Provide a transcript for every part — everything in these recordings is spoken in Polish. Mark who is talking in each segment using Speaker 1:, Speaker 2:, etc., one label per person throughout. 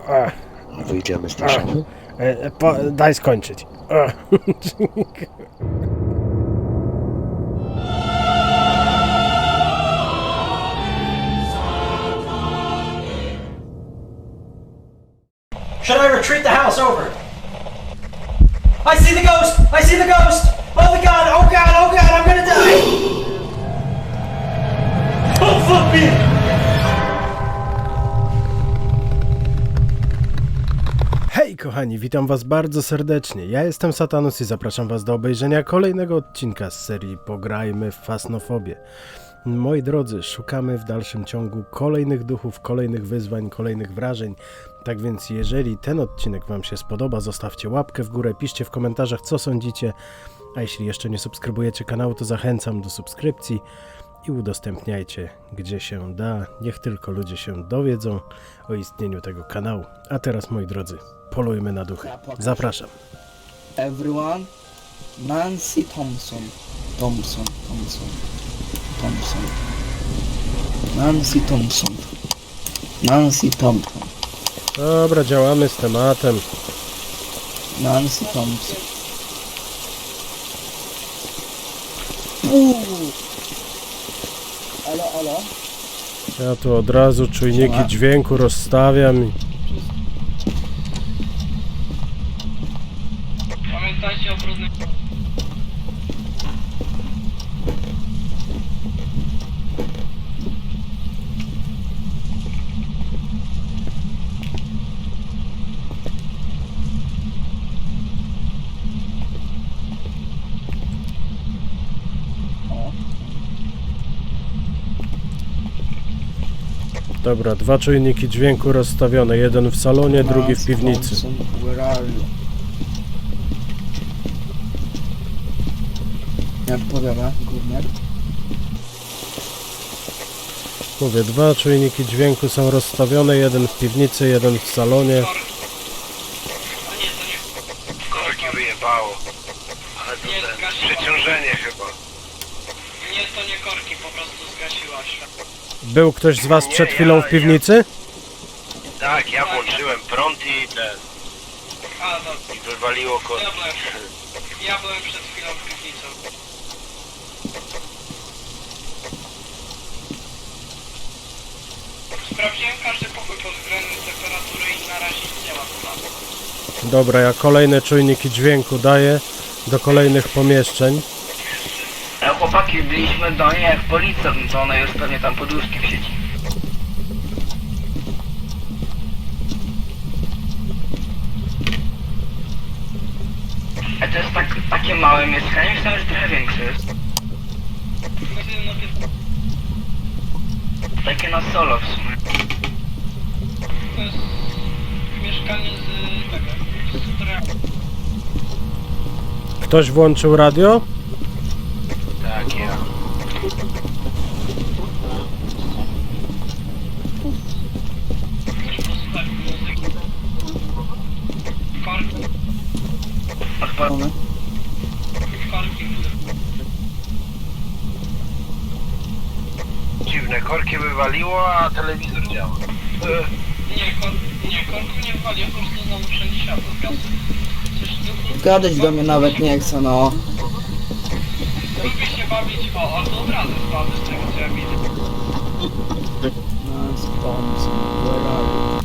Speaker 1: Wyjdziemy z naszego.
Speaker 2: Daj skończyć.
Speaker 3: Should I retreat the house over? I see the ghost! I see the ghost! Oh my god! Oh god! Oh god! I'm gonna die! Oh fuck me!
Speaker 2: Hej kochani, witam was bardzo serdecznie. Ja jestem Satanus i zapraszam was do obejrzenia kolejnego odcinka z serii Pograjmy w Fasnofobię. Moi drodzy, szukamy w dalszym ciągu kolejnych duchów, kolejnych wyzwań, kolejnych wrażeń. Tak więc jeżeli ten odcinek wam się spodoba, zostawcie łapkę w górę, piszcie w komentarzach co sądzicie. A jeśli jeszcze nie subskrybujecie kanału, to zachęcam do subskrypcji i udostępniajcie gdzie się da. Niech tylko ludzie się dowiedzą o istnieniu tego kanału. A teraz moi drodzy, polujmy na duchy. Zapraszam.
Speaker 4: Everyone, Nancy Thompson. Nancy Thompson.
Speaker 2: Dobra, działamy z tematem.
Speaker 4: Nancy Thompson. Alo.
Speaker 2: Ja tu od razu czujniki
Speaker 4: Siema.
Speaker 2: dźwięku rozstawiam i...
Speaker 5: Pamiętajcie o brudnym...
Speaker 2: Dobra, dwa czujniki dźwięku rozstawione. Jeden w salonie, drugi w
Speaker 4: Nancy
Speaker 2: piwnicy.
Speaker 4: Thompson, where are you? Jak powiada, gówniak?
Speaker 2: Mówię, dwa czujniki dźwięku są rozstawione. Jeden w piwnicy, jeden w salonie.
Speaker 5: A nie, to nie...
Speaker 1: Korki wyjebało. Ale to
Speaker 5: Nie,
Speaker 1: ten
Speaker 5: zgasiła.
Speaker 1: przeciążenie chyba.
Speaker 5: Nie, to nie korki, po prostu zgasiła się.
Speaker 2: Był ktoś z was
Speaker 1: Nie,
Speaker 2: przed chwilą w piwnicy?
Speaker 1: Tak, ja włączyłem prąd i ten.
Speaker 5: A, no,
Speaker 1: I wywaliło korki.
Speaker 5: ja byłem przed chwilą w piwnicy. Sprawdziłem każdy pokój pod względem temperatury i na razie nic nie ma problemu.
Speaker 2: Dobra, ja kolejne czujniki dźwięku daję do kolejnych pomieszczeń.
Speaker 6: Chłopaki, byliśmy do niej jak policja, no to ona już pewnie tam poduszki w sieci. A to jest takie małe mieszkanie, myślałem, że trochę większe jest.
Speaker 5: No,
Speaker 6: Takie na solo w sumie.
Speaker 5: to jest mieszkanie z tego, z Treamu.
Speaker 2: Ktoś włączył radio?
Speaker 1: Tak, ja.
Speaker 5: Chcesz posłuchać muzyki? Korki,
Speaker 4: One?
Speaker 5: korki.
Speaker 1: Dziwne, korki wywaliło, a telewizor działa.
Speaker 5: Nie, korku nie wali, po prostu znowu wszędzie światło zgasło. Coś duchu...
Speaker 4: Gadać do mnie nawet nie chce, no.
Speaker 5: Lubię się bawić, a to od razu spadł z tego co ja widzę.
Speaker 4: Nancy Thompson, where are you?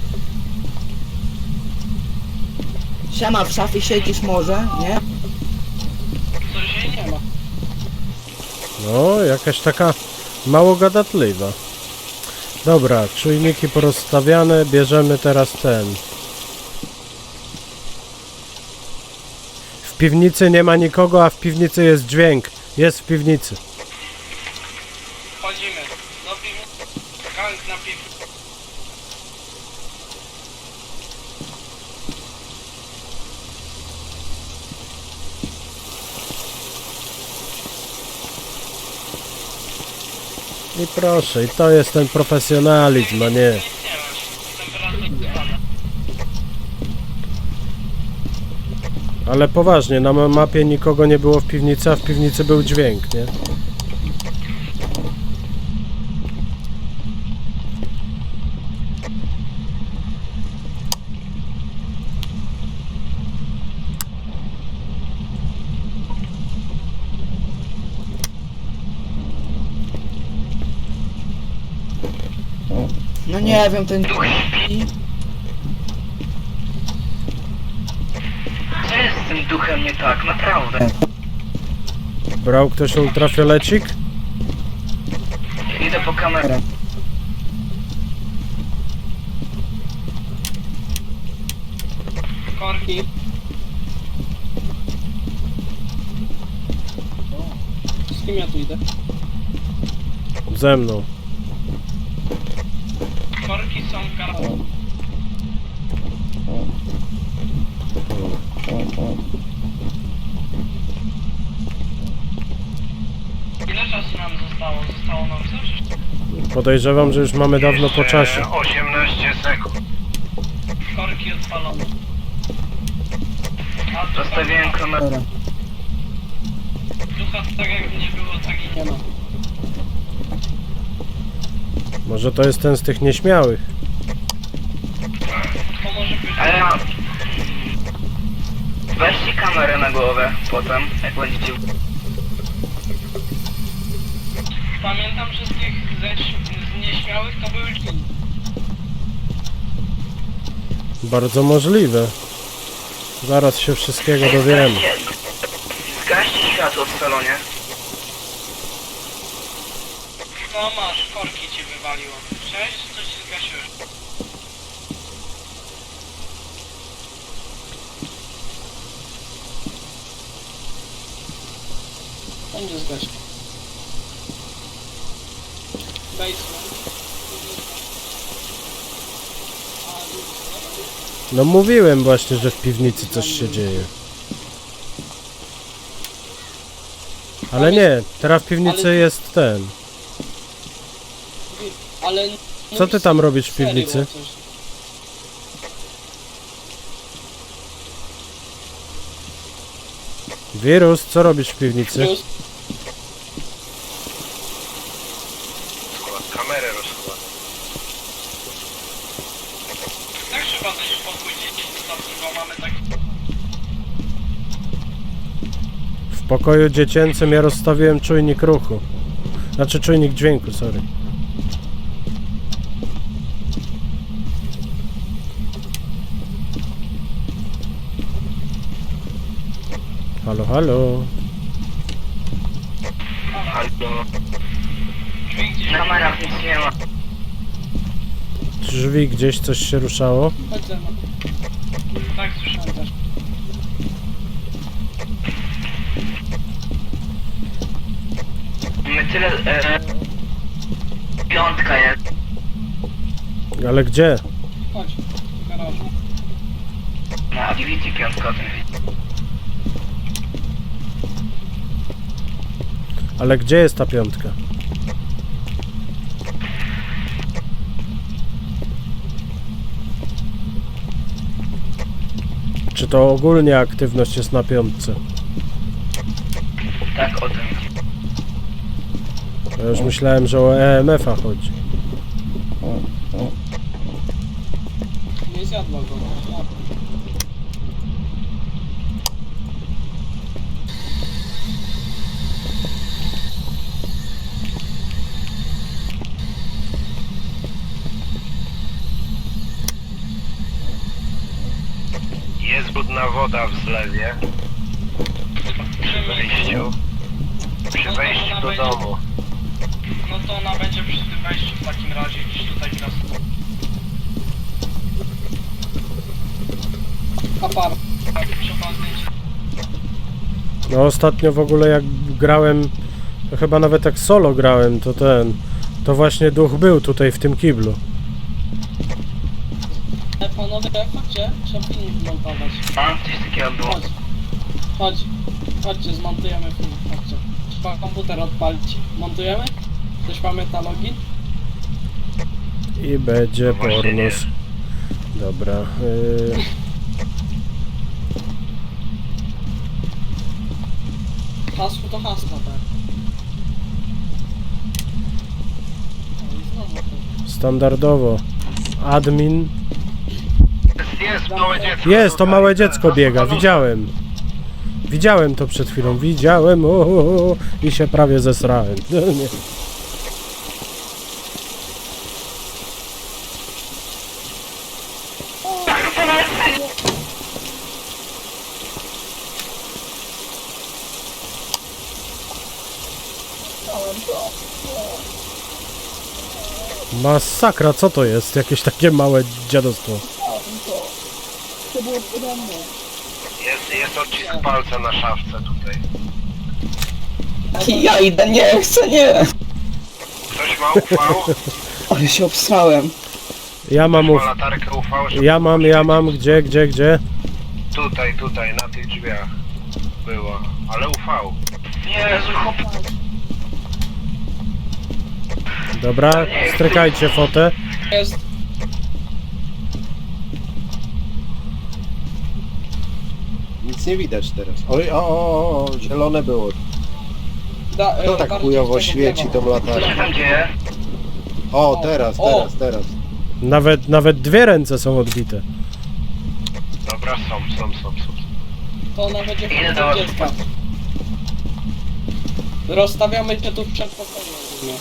Speaker 4: Siema, w szafie siedzisz może, nie?
Speaker 5: Coś jej nie ma.
Speaker 2: No, jakaś taka mało gadatliwa. Dobra, czujniki porozstawiane, bierzemy teraz ten. W piwnicy nie ma nikogo, a w piwnicy jest dźwięk. Jest w piwnicy.
Speaker 5: Wchodzimy do piwnicy. Gang na piwnicy.
Speaker 2: I proszę, i to jest ten profesjonalizm, a nie...
Speaker 5: Nic nie ma. Temperatura spada.
Speaker 2: Ale poważnie, na mapie nikogo nie było w piwnicy, a w piwnicy był dźwięk, nie?
Speaker 4: nie wiem, ten...
Speaker 6: Duch śpi. Co jest z tym duchem nie tak, naprawdę?
Speaker 2: Brał ktoś ultrafiolecik?
Speaker 6: Idę po kamerę.
Speaker 5: Korki. Z kim ja tu idę?
Speaker 2: Ze mną.
Speaker 5: Korki są w garażu. Ile czasu nam zostało? Zostało nam coś?
Speaker 2: Podejrzewam, że już mamy dawno po czasie.
Speaker 1: 18 sekund.
Speaker 5: Korki odpalone. A ducha,
Speaker 6: Zostawiłem kamerę.
Speaker 5: ducha tak jak nie było, tak i nie ma.
Speaker 2: Może to jest ten z tych nieśmiałych.
Speaker 5: To może być...
Speaker 6: A ja... Weźcie kamerę na głowę potem, jak będziecie...
Speaker 5: Pamiętam, że z tych z nieśmiałych to były dżin.
Speaker 2: Bardzo możliwe. Zaraz się wszystkiego dowiemy.
Speaker 6: Zgaście światło w salonie.
Speaker 5: No masz, korki ci wywaliło. Cześć, coś się zgasiłeś. Będzie zgasił. Basement.
Speaker 2: No mówiłem właśnie, że w piwnicy coś się dzieje. Ale nie, teraz w piwnicy jest ten.
Speaker 5: Ale...
Speaker 2: Co ty tam robisz w piwnicy? Wirus, co robisz w piwnicy?
Speaker 5: Plus,
Speaker 1: Kamerę rozkład.
Speaker 5: tak trzeba też spokój dzieci zostawić, bo mamy tak...
Speaker 2: W pokoju dziecięcym ja rozstawiłem czujnik ruchu. Znaczy czujnik dźwięku, sorry. Halo, halo.
Speaker 6: Albo...
Speaker 5: Drzwi gdzieś...
Speaker 6: W kamerach nic nie ma.
Speaker 2: Drzwi gdzieś coś się ruszało.
Speaker 5: Chodź ze mną. Tak, słyszałem też.
Speaker 6: My tyle... Piątka jest.
Speaker 2: Ale gdzie?
Speaker 5: Chodź, w garażu.
Speaker 6: Na Activity piątka o tym widzi.
Speaker 2: Ale gdzie jest ta piątka? Czy to ogólnie aktywność jest na piątce?
Speaker 6: Tak o tym widzi.
Speaker 2: Ja już myślałem, że o EMF-a chodzi.
Speaker 5: Nie zjadła go. No.
Speaker 1: Jest brudna woda w zlewie. Przy wejściu. Przy wejściu do domu.
Speaker 5: No to ona będzie przy tym wejściu w takim razie gdzieś tutaj teraz. Apar. Trzeba zdjęcie.
Speaker 2: No ostatnio w ogóle jak grałem, to chyba nawet jak solo grałem, to właśnie duch był tutaj w tym kiblu.
Speaker 5: Panowie, chodźcie, trzeba film zmontować.
Speaker 6: Mam coś takiego było.
Speaker 5: Chodź. Chodź. Chodźcie, zmontujemy film. Chodźcie. Trzeba komputer odpalić. Montujemy? Ktoś pamięta login?
Speaker 2: I będzie
Speaker 1: Właśnie nie.
Speaker 2: pornos. Dobra.
Speaker 5: Hasło to hasło, tak. No i znowu to.
Speaker 2: Standardowo. Admin.
Speaker 1: Jest małe dziecko.
Speaker 2: Jest, to małe dziecko biega, widziałem. Widziałem to przed chwilą, widziałem, i się prawie zesrałem. No, nie. Masakra, co to jest? Jakieś takie małe dziadostwo.
Speaker 1: Jest odcisk palca na szafce tutaj.
Speaker 4: Ja idę, nie chcę, nie!
Speaker 1: Ktoś ma UV?
Speaker 4: Ale się obsrałem.
Speaker 2: Ja mam
Speaker 1: Ma
Speaker 2: uf...
Speaker 1: latarkę UV? żeby
Speaker 2: Ja mam, gdzie?
Speaker 1: Tutaj, na tych drzwiach. Było. Ale UV.
Speaker 6: Jezu, chłop...
Speaker 2: Dobra, strykajcie fotę.
Speaker 5: Jest.
Speaker 7: Nic nie widać teraz. Oj, o, zielone było. To tak
Speaker 5: bardziej
Speaker 7: chujowo
Speaker 5: w tego
Speaker 7: świeci
Speaker 5: prawo.
Speaker 7: tą
Speaker 6: Co się
Speaker 7: latarką.
Speaker 6: tam dzieje?
Speaker 7: O, teraz.
Speaker 2: Nawet dwie ręce są odbite.
Speaker 1: Dobra, są.
Speaker 5: To ona będzie
Speaker 6: Ile
Speaker 5: w
Speaker 6: to-
Speaker 5: dziecka. Rozstawiamy się tu przed pokojem. ogólnie.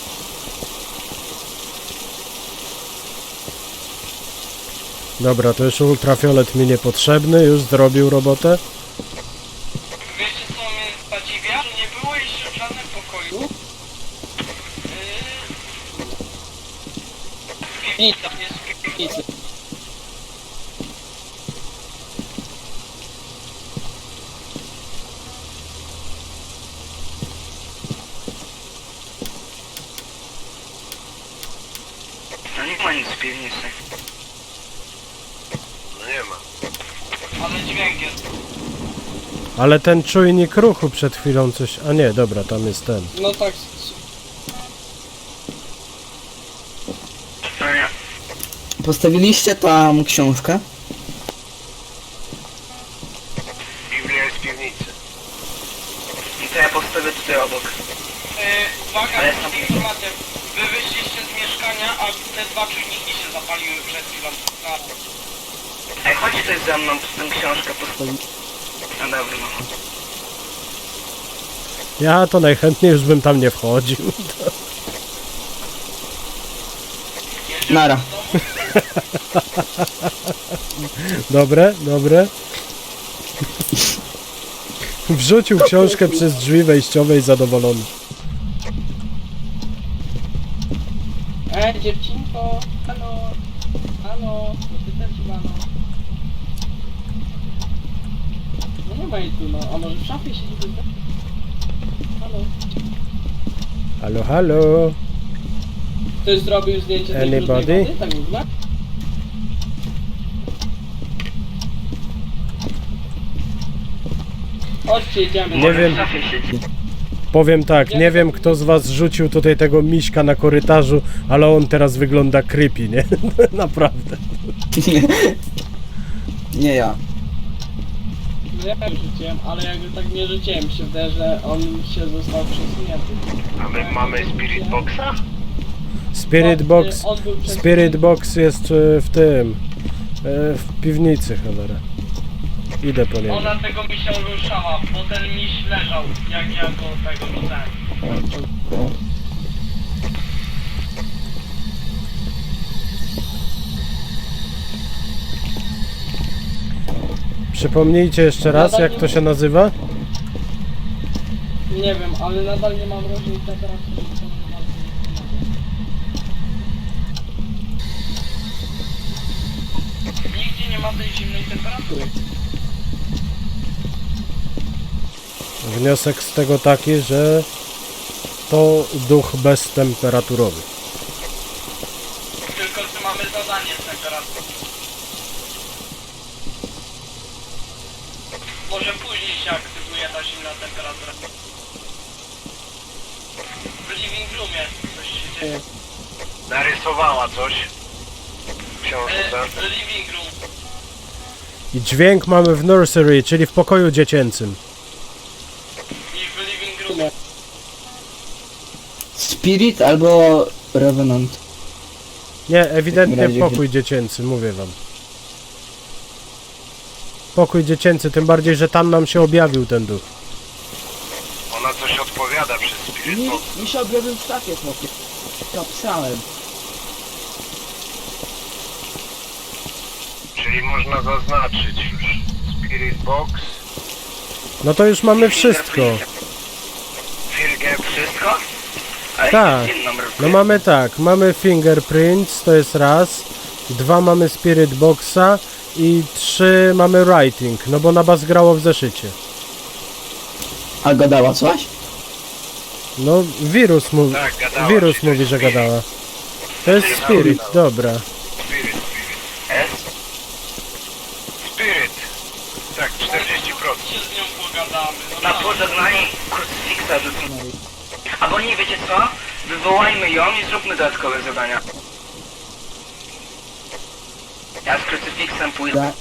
Speaker 2: Dobra, to już ultrafiolet mi niepotrzebny, już zrobił robotę.
Speaker 5: Wiecie co mnie zadziwia? Że nie było jeszcze w żadnym pokoju. Piwnica, jest w piwnicy.
Speaker 6: No nie ma nic w piwnicy.
Speaker 1: No nie ma.
Speaker 5: Ale dźwięk jest.
Speaker 2: Ale ten czujnik ruchu przed chwilą coś... A nie, dobra, tam jest ten.
Speaker 5: No tak.
Speaker 6: No nie.
Speaker 4: Postawiliście tam książkę?
Speaker 1: Biblia jest w piwnicy.
Speaker 6: I to ja postawię tutaj obok.
Speaker 5: Uwaga,
Speaker 6: Ale
Speaker 5: to
Speaker 6: tam-
Speaker 5: informacja. Wy wyszliście z mieszkania, a te dwa czujniki się zapaliły przed chwilą.
Speaker 6: Ej, chodź tutaj ze mną, tę książkę postawić. No dobra, no.
Speaker 2: Ja to najchętniej już bym tam nie wchodził.
Speaker 4: Nara.
Speaker 2: Dobre. Wrzucił książkę przez drzwi wejściowe i zadowolony.
Speaker 5: Dziewczynko, halo, bo ty też no. No nie ma jej tu, no, a może w szafie siedzi tylko? Halo.
Speaker 2: Halo.
Speaker 5: Ktoś zrobił zdjęcie tej brudnej
Speaker 2: Anybody?
Speaker 5: wody, tak w ogóle? Chodźcie, idziemy.
Speaker 2: Nie wiem.
Speaker 6: W szafie siedzi.
Speaker 2: Powiem tak, nie wiem kto z was rzucił tutaj tego miśka na korytarzu, ale on teraz wygląda creepy, nie? Naprawdę.
Speaker 4: Nie ja.
Speaker 5: Ja rzuciłem, ale jakby tak nie rzuciłem, się wydaje, że on się został przesunięty.
Speaker 1: A my mamy Spirit Boxa?
Speaker 2: Spirit Box.
Speaker 5: On był przesunięty.
Speaker 2: Spirit Box jest w tym. W piwnicy, cholera. Idę po niego.
Speaker 5: Ona tego misia ruszała, bo ten miś leżał, jak ja go tego widziałem.
Speaker 2: Przypomnijcie jeszcze raz, jak to się nazywa?
Speaker 5: Nie wiem, ale nadal nie mam różnej temperatury. to nie bardzo nie pomaga. Nigdzie nie ma tej zimnej temperatury.
Speaker 2: Wniosek z tego taki, że to duch beztemperaturowy.
Speaker 5: Tylko czy mamy zadanie z temperatury. Może później się aktywuje ta zimna temperatura. W living roomie coś się dzieje.
Speaker 1: Narysowała coś w książce.
Speaker 5: Living room.
Speaker 2: I dźwięk mamy w nursery, czyli w pokoju dziecięcym.
Speaker 5: I w living roomie.
Speaker 4: Spirit albo Revenant.
Speaker 2: Nie, ewidentnie
Speaker 4: W takim razie-
Speaker 2: pokój dziecięcy, mówię wam. Pokój dziecięcy, tym bardziej, że tam nam się objawił ten duch.
Speaker 1: Ona coś odpowiada przez Spirit Box.
Speaker 4: Mi się objawił w szafie, chłopie. To obsrałem.
Speaker 1: Czy Czyli można zaznaczyć już Spirit Box,
Speaker 2: No to już mamy wszystko.
Speaker 6: Finger wszystko? Ale
Speaker 2: Tak.
Speaker 6: jest inną
Speaker 2: No mamy tak, mamy fingerprints, to jest raz. 2 mamy spirit boxa i 3 mamy writing, no bo Nabas grało w zeszycie.
Speaker 4: A gadała coś?
Speaker 2: No wirus mówi,
Speaker 1: Tak, gadała,
Speaker 2: wirus
Speaker 1: czyli to
Speaker 2: mówi,
Speaker 1: jest
Speaker 2: że
Speaker 1: spirit.
Speaker 2: gadała. To jest spirit, dobra.
Speaker 1: Spirit.
Speaker 6: S?
Speaker 1: Spirit. Tak, 40%.
Speaker 5: Się z nią pogadamy. No
Speaker 6: Na
Speaker 5: tak.
Speaker 6: pożegnanie krucyfiksa rzucimy. Albo nie, wiecie co? Wywołajmy ją i zróbmy dodatkowe zadania. Ja z krucyfiksem pójdę.
Speaker 4: Da.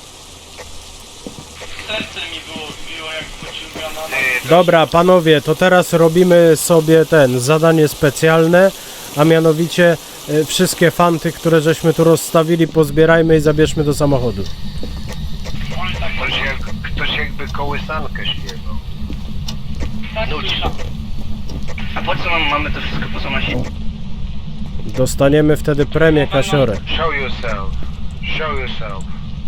Speaker 5: Serce mi było jak pociągana.
Speaker 2: Dobra, panowie, to teraz robimy sobie zadanie specjalne, a mianowicie wszystkie fanty, które żeśmy tu rozstawili, pozbierajmy i zabierzmy do samochodu.
Speaker 5: Oj, tak,
Speaker 1: Ktoś jakby kołysankę śpiewał.
Speaker 5: tak słyszałem.
Speaker 6: A po co mamy to wszystko po co nosić?
Speaker 2: Dostaniemy wtedy premię Kasiorę.
Speaker 1: Show yourself. Show yourself.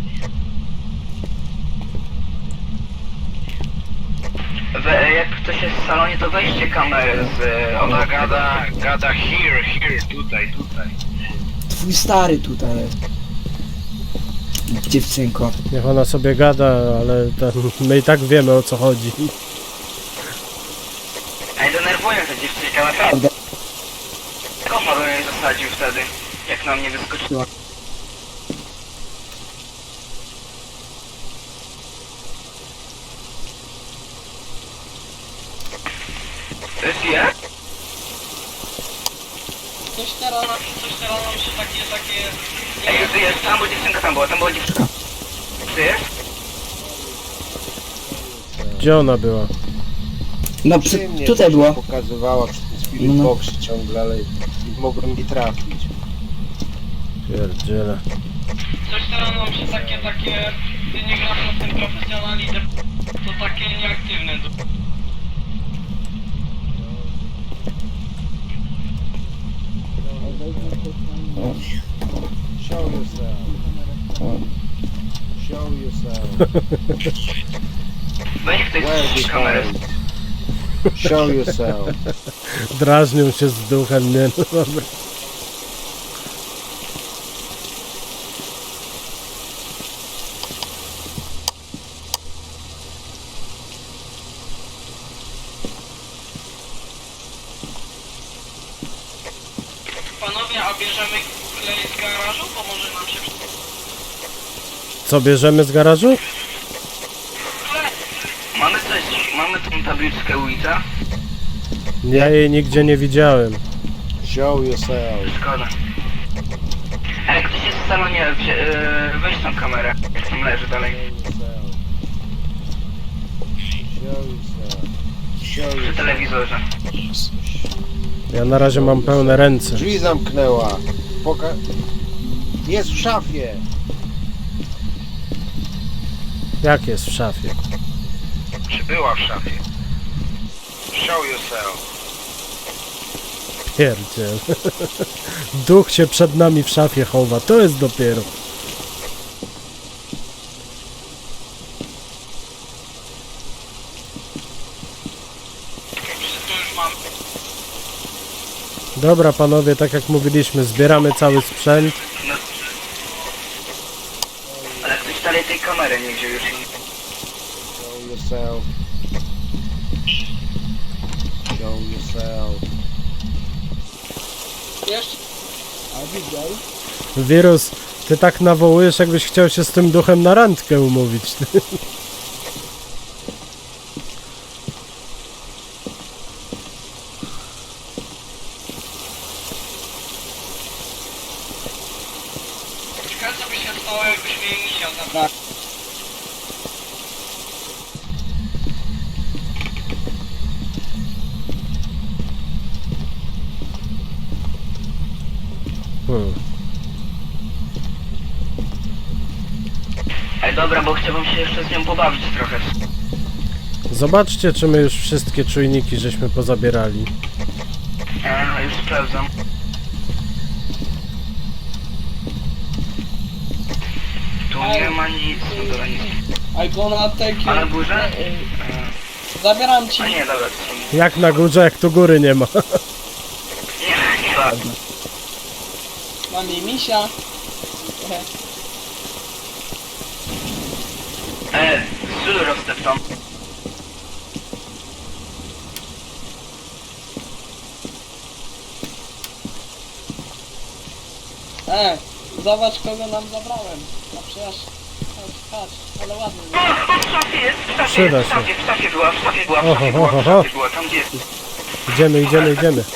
Speaker 6: Jak ktoś jest w salonie, to weźcie kamerę z...
Speaker 1: Ona gada here, tutaj.
Speaker 4: Twój stary tutaj jest. Dziewczynko.
Speaker 2: Niech ona sobie gada, ale my i tak wiemy, o co chodzi.
Speaker 6: Ej, denerwuję tę dziewczynkę, naprawdę. Kocha bym jej zasadził wtedy, jak na mnie wyskoczyła. To jest je?
Speaker 5: Coś teraz nam się takie...
Speaker 6: Ej, ty jest, tam była dziewczynka, tam była dziewczynka. Ty jest?
Speaker 2: Gdzie ona była?
Speaker 4: No
Speaker 7: Przy mnie
Speaker 4: tutaj
Speaker 7: coś
Speaker 4: była.
Speaker 7: pokazywała przy tym Spirit
Speaker 4: No.
Speaker 7: Boxie ciągle, ale nie mogłem nie trafić.
Speaker 2: Pierdziele.
Speaker 5: Coś teraz nam się takie... Ty nie grasz na tym profesjonalizm, to takie nieaktywne.
Speaker 7: Show yourself. Show yourself.
Speaker 6: Weź ktoś
Speaker 7: Where
Speaker 6: z
Speaker 7: the
Speaker 6: kamerę.
Speaker 7: point? Show yourself.
Speaker 2: Drażnią się z duchem, nie no dobra.
Speaker 5: Panowie, a bierzemy klej z garażu? Pomoże nam się...
Speaker 2: Co bierzemy z garażu?
Speaker 6: Mamy tą tabliczkę ulica?
Speaker 2: Ja jej nigdzie nie widziałem.
Speaker 7: Show yourself.
Speaker 6: Szkoda. A jak ktoś jest w salonie, weź tą kamerę. Tam leży dalej.
Speaker 7: Show yourself. Show
Speaker 6: Przy
Speaker 7: yourself.
Speaker 6: telewizorze.
Speaker 2: Ja na razie mam pełne ręce.
Speaker 7: Drzwi zamknęła. Jest w szafie.
Speaker 2: Jak jest w szafie?
Speaker 1: Czy była w szafie? Show yourself.
Speaker 2: Pierdziel. Duch się przed nami w szafie chowa. To jest dopiero.
Speaker 5: Wszystko już mamy.
Speaker 2: Dobra panowie, tak jak mówiliśmy, zbieramy cały sprzęt.
Speaker 6: No. Ale ktoś dalej tej kamery nie wziął już.
Speaker 7: Show yourself. Show yourself.
Speaker 5: Jeszcze...
Speaker 2: Wirus, ty tak nawołujesz, jakbyś chciał się z tym duchem na randkę umówić.
Speaker 5: Ciekawe co by się stało, jakbyśmy jej misia zabrali.
Speaker 6: Ej, dobra, bo chciałbym się jeszcze z nią pobawić trochę.
Speaker 2: Zobaczcie, czy my już wszystkie czujniki żeśmy pozabierali.
Speaker 6: Już sprawdzam. Tu nie ma nic, dobra, nic.
Speaker 5: I gonna take you.
Speaker 6: A na górze?
Speaker 5: Zabieram ci.
Speaker 6: A nie, dobra, to są...
Speaker 2: Jak na górze, jak tu góry nie ma.
Speaker 6: Nie ważne.
Speaker 5: Mam jej misia.
Speaker 6: Sól rozteptą.
Speaker 5: Zobacz kogo nam zabrałem. A przecież... Patrz, ale ładny.
Speaker 6: W szafie jest, w szafie
Speaker 2: Przyda
Speaker 6: jest,
Speaker 2: się.
Speaker 6: w szafie była, w szafie była, w
Speaker 2: Oho,
Speaker 6: szafie była,
Speaker 2: oho,
Speaker 6: w
Speaker 2: oho.
Speaker 6: szafie była, tam gdzie jest.
Speaker 2: Idziemy.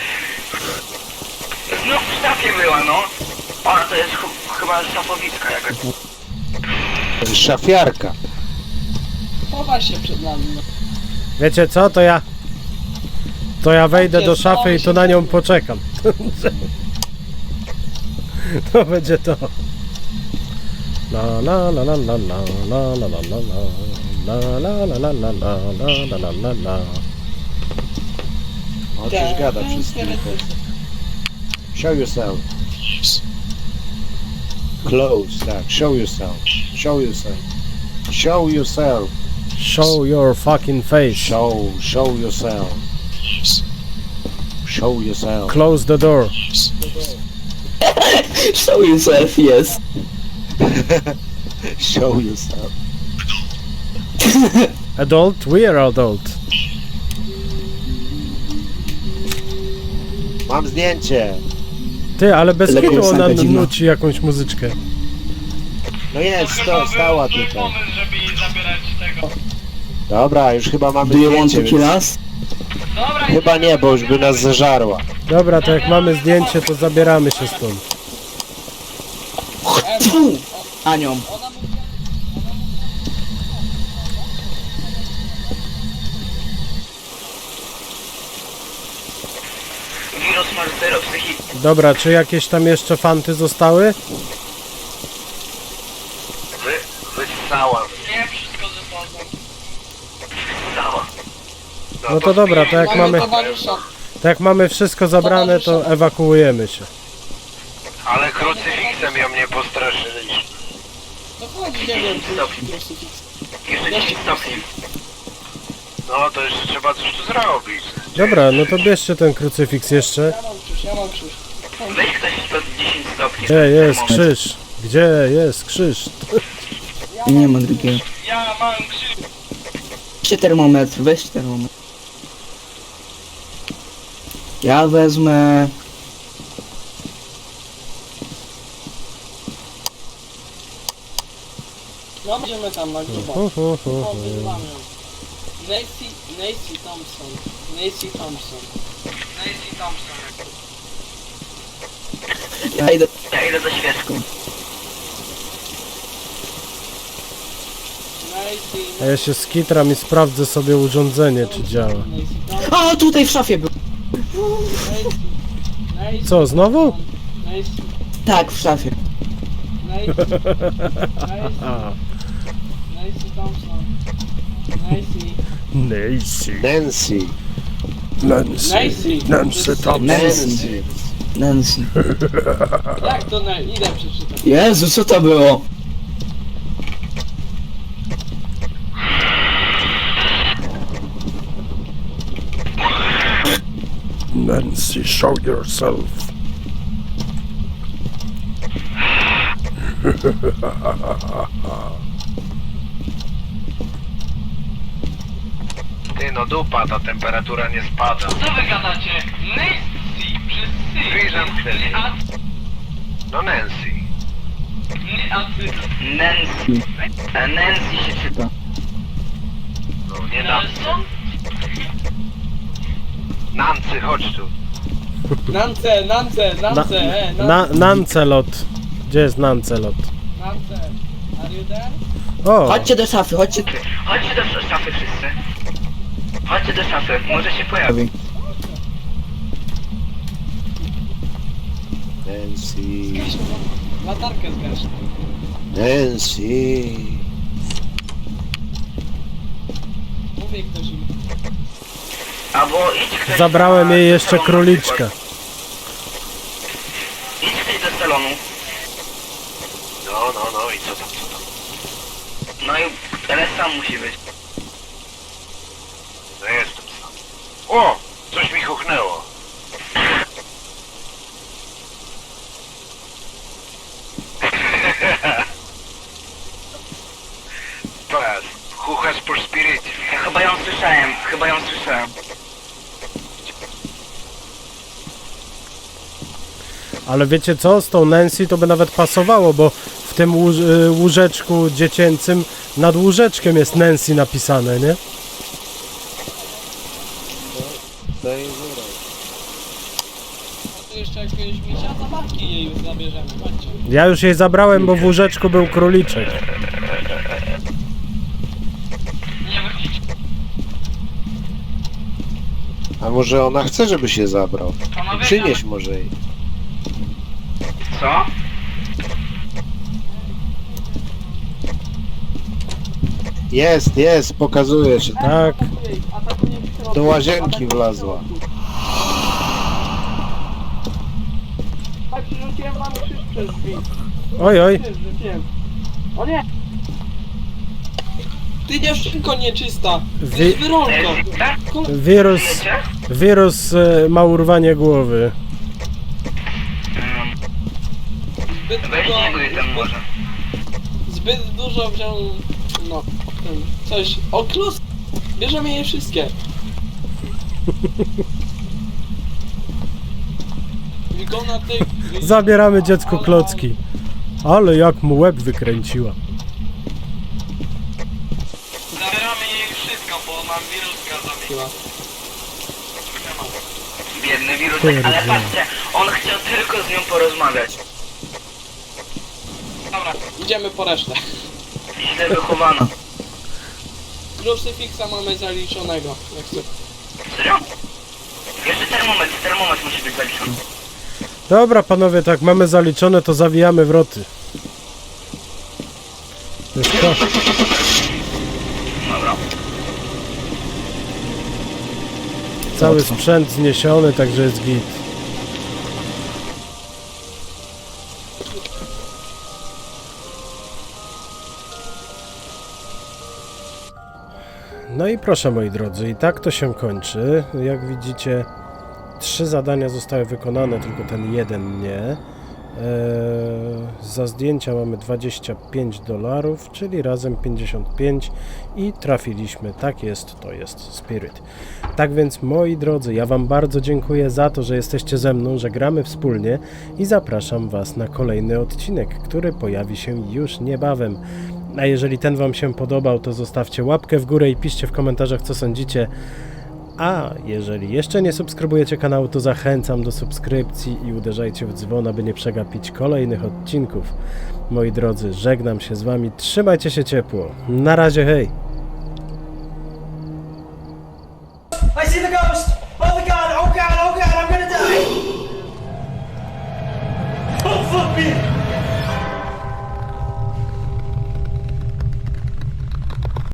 Speaker 6: No w szafie była, no. Ona to jest chyba szafowicka jakaś.
Speaker 7: Szafiarka.
Speaker 5: Chowaj się przed nami. No.
Speaker 2: Wiecie co, to ja wejdę do szafy i tu na nią poczekam. To będzie to. La la la la la la la la la la la la la la la la la la la.
Speaker 7: O, coś gada wszystkim. Show yourself. Close, tak. Show yourself. Show yourself. Show yourself.
Speaker 2: Show your fucking face.
Speaker 7: Show yourself. Show yourself.
Speaker 2: Close the door.
Speaker 4: Show yourself, yes.
Speaker 7: Show yourself.
Speaker 2: Adult? We are adult.
Speaker 7: Mam zdjęcie.
Speaker 2: Ty, ale bez
Speaker 4: Lepiej
Speaker 2: kitu ona
Speaker 4: piosenka dziwna.
Speaker 2: nuci jakąś muzyczkę.
Speaker 7: No jest, stała tutaj.
Speaker 1: żeby jej zabierać tego.
Speaker 7: Dobra, już chyba mamy
Speaker 4: Do you want
Speaker 7: zdjęcie,
Speaker 4: to kill
Speaker 7: więc...
Speaker 4: us?
Speaker 1: Dobra,
Speaker 7: Chyba nie, bo już by nas zażarła.
Speaker 2: Dobra, to jak mamy zdjęcie, to zabieramy się stąd.
Speaker 4: Tfu! Anią.
Speaker 6: Wirus ma 0 psychiki.
Speaker 2: Dobra, czy jakieś tam jeszcze fanty zostały?
Speaker 7: Wyssała.
Speaker 1: nie wszystko ze sobą.
Speaker 6: Cała.
Speaker 2: No to dobra, to jak mamy,
Speaker 5: towarzysza.
Speaker 2: to jak mamy wszystko zabrane, to ewakuujemy się.
Speaker 7: Ale krucyfiksem ją nie postraszyli.
Speaker 5: To chodź, nie wiem, czy jest krucyfiks.
Speaker 6: Jeszcze 10 stopni.
Speaker 7: No to jeszcze trzeba coś tu zrobić.
Speaker 2: Dobra, no to bierzcie ten krucyfiks jeszcze.
Speaker 5: Ja mam krzyż.
Speaker 6: Weź ktoś pod 10 stopni.
Speaker 2: Gdzie jest krzyż? Gdzie jest krzyż?
Speaker 4: Nie ma drugiego.
Speaker 1: Ja mam krzyż.
Speaker 4: Weźcie termometr, weź termometr. Ja wezmę...
Speaker 5: No, będziemy tam na grubo. O, wyzywamy ją. Nancy Thompson.
Speaker 4: Ja idę...
Speaker 6: Ja idę za świeczką.
Speaker 2: A ja się skitram i sprawdzę sobie urządzenie, czy działa.
Speaker 4: O, tutaj w szafie był.
Speaker 2: Co, znowu?
Speaker 4: Tak, w szafie.
Speaker 5: Nancy Thompson.
Speaker 2: Nancy.
Speaker 7: Nancy.
Speaker 2: Nancy Thompson.
Speaker 7: Nancy.
Speaker 4: Nancy.
Speaker 5: Jak to idę przeczytać?
Speaker 4: Jezu, co to było?
Speaker 2: Nancy, show yourself.
Speaker 7: Ty no dupa, ta temperatura nie spada.
Speaker 1: Co wy gadacie? Nancy, przez sy.
Speaker 7: Wyjrzam wtedy.
Speaker 1: A
Speaker 7: No Nancy.
Speaker 1: ty.
Speaker 6: Nancy. Nancy się czyta.
Speaker 7: No nie
Speaker 1: Nelson?
Speaker 7: Nancy, chodź tu.
Speaker 5: Nance,
Speaker 2: Nancelot. Gdzie jest Nancelot?
Speaker 5: Nance. Are you there?
Speaker 2: O,
Speaker 4: Chodźcie do szafy, chodźcie...
Speaker 6: Chodźcie do szafy wszyscy. Chodźcie do szafy, może się pojawi.
Speaker 7: Nancy.
Speaker 5: Zgaśmy, latarkę zgasz.
Speaker 7: Nancy.
Speaker 5: Mówię ktoś im.
Speaker 6: Albo idź ktoś
Speaker 2: zabrałem jej
Speaker 6: do
Speaker 2: jeszcze
Speaker 6: salonu na
Speaker 2: króliczkę.
Speaker 6: przykład. Idź ktoś do salonu.
Speaker 7: No,
Speaker 1: No i co tam?
Speaker 6: No i ale sam musi być.
Speaker 1: No jestem sam. O! Coś mi chuchnęło. Pas, chuchasz por spirycie.
Speaker 6: Ja chyba ją słyszałem.
Speaker 2: Ale wiecie co? Z tą Nancy to by nawet pasowało, bo w tym łóżeczku dziecięcym nad łóżeczkiem jest Nancy napisane, nie?
Speaker 7: Daj zero.
Speaker 5: A tu jeszcze jakiegoś misia zabawki jej już zabierzemy, chodźcie.
Speaker 2: Ja już jej zabrałem, bo w łóżeczku był króliczek.
Speaker 6: Nie wychodźcie.
Speaker 7: A może ona chce, żeby się zabrał?
Speaker 6: Panowie,
Speaker 7: Przynieś może jej.
Speaker 6: Co?
Speaker 7: Jest, pokazuje się.
Speaker 2: Tak.
Speaker 5: Atakuje w środku.
Speaker 7: Do łazienki wlazła.
Speaker 5: Tak, przerzuciłem wam krzyż przez drzwi.
Speaker 2: Oj, oj.
Speaker 5: Krzyż rzuciłem. O nie! Ty dziewczynko nieczysta! Ty jest wyrolko!
Speaker 2: Wirus, wirus ma urwanie głowy.
Speaker 5: Zbyt
Speaker 6: Weź
Speaker 5: dużo...
Speaker 6: nie góry tam może.
Speaker 5: Zbyt dużo wziął... No, ten... Coś... O, klus! Bierzemy je wszystkie! Wigona ty...
Speaker 2: Zabieramy dziecku klocki. Ale jak mu łeb wykręciła.
Speaker 5: Zabieramy jej wszystko, bo nam wiruska zabiła.
Speaker 6: Biedny wirus,
Speaker 2: Kurde.
Speaker 6: ale patrzcie, on chciał tylko z nią porozmawiać.
Speaker 5: Dobra, idziemy po resztę.
Speaker 6: Źle wychowana.
Speaker 5: Krucyfiksa mamy zaliczonego, jak chcę.
Speaker 6: Serio? Jeszcze termometr musi być zaliczony.
Speaker 2: Dobra panowie, tak mamy zaliczone, to zawijamy wroty. Jest to.
Speaker 6: Dobra.
Speaker 2: Cały sprzęt zniesiony, także jest git. No i proszę moi drodzy, i tak to się kończy. Jak widzicie, 3 zadania zostały wykonane, tylko ten jeden nie. Za zdjęcia mamy $25, czyli razem 55 i trafiliśmy. Tak jest, to jest Spirit. Tak więc moi drodzy, ja wam bardzo dziękuję za to, że jesteście ze mną, że gramy wspólnie i zapraszam was na kolejny odcinek, który pojawi się już niebawem. A jeżeli ten wam się podobał, to zostawcie łapkę w górę i piszcie w komentarzach, co sądzicie. A jeżeli jeszcze nie subskrybujecie kanału, to zachęcam do subskrypcji i uderzajcie w dzwon, aby nie przegapić kolejnych odcinków. Moi drodzy, żegnam się z wami, trzymajcie się ciepło. Na razie, hej!
Speaker 3: I see the ghost! Oh my god, oh god, oh god, I'm gonna die! Oh fuck me!